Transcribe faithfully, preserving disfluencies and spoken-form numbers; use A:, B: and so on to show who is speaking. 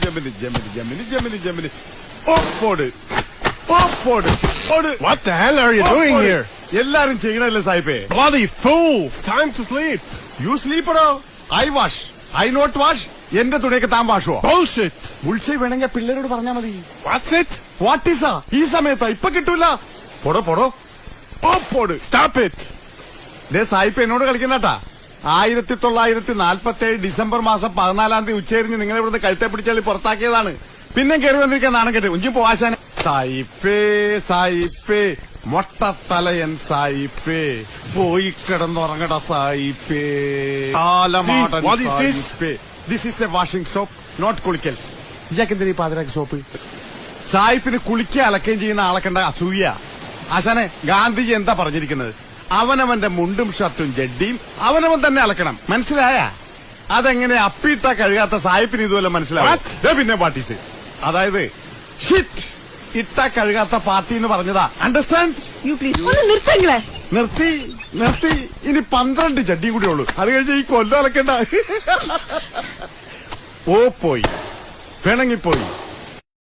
A: Gemini ജമിനി ജമിനി ജമിനി ജമിനി ഓപ്പോട് ഓപ്പോട് ഓട്.
B: What the hell are you doing here?
A: എല്ലാരും ചെയ്യണല്ലേ സാഹിബേ.
B: Bloody fool! It's time to sleep.
A: You സ്ലീപ്പറോ? I wash I not wash. എന്റെ തുണിയൊക്കെ താൻ വാഷുവോ?
B: Bullshit!
A: ബുൾഷൈ വേണമെങ്കിൽ പിള്ളേരോട് പറഞ്ഞാ മതി.
B: What's it?
A: വാട്ട് ഈസാ ഈ സമയത്താ? ഇപ്പൊ കിട്ടൂല. പൊടോ പൊടോ ഓപ്പോട്.
B: Stop it!
A: ദേ സായിപ്പ് എന്നോട് കളിക്കണ്ടാ. ആയിരത്തി തൊള്ളായിരത്തി നാൽപ്പത്തി ഏഴ് ഡിസംബർ മാസം പതിനാലാം തീയതി ഉച്ചരിഞ്ഞ് നിങ്ങൾ ഇവിടുന്ന് കഴുത്തെ പിടിച്ചാൽ പുറത്താക്കിയതാണ്. പിന്നെ കയറി വന്നിരിക്കാൻ നാണം കേട്ട് ഉഞ്ചി പോവാശാൻ. സായിപ്പേ സായിപ്പേ മൊട്ടത്തലയൻ സായിപ്പേ പോയി കിടന്നുറങ്ങട സായിപ്പേ. കാലമാടൻ സായിപ്പേ. This is a washing soap not കുളിക്കൽസ്. ഇയാൾക്കെന്തിനാ ഈ പാതിരാക്ക് സോപ്പ്? സായിപ്പിന് കുളിക്കുക അലക്കുകയും ചെയ്യുന്ന ആളെ കണ്ട അസൂയ. ആശാനെ ഗാന്ധിജി എന്താ പറഞ്ഞിരിക്കുന്നത്? അവനവന്റെ മുണ്ടും ഷർട്ടും ജഡ്ഡിയും അവനവൻ തന്നെ അലക്കണം. മനസ്സിലായ? അതെങ്ങനെ അപ്പിയിട്ട കഴുകാത്ത സായിപ്പിന് ഇതുപോലെ മനസ്സിലാവും. പിന്നെ പാർട്ടീസ് അതായത് ഷിറ്റ് ഇട്ട കഴുകാത്ത പാർട്ടി എന്ന് പറഞ്ഞതാ. അണ്ടർസ്റ്റാൻഡ്? നിർത്തി നിർത്തി. ഇനി പന്ത്രണ്ട് ജഡ്ഡിയും കൂടി ഉള്ളൂ. അത് കഴിഞ്ഞ് ഈ കൊല്ലം അലക്കണ്ട. ഓ പോയി പിണങ്ങിപ്പോയി.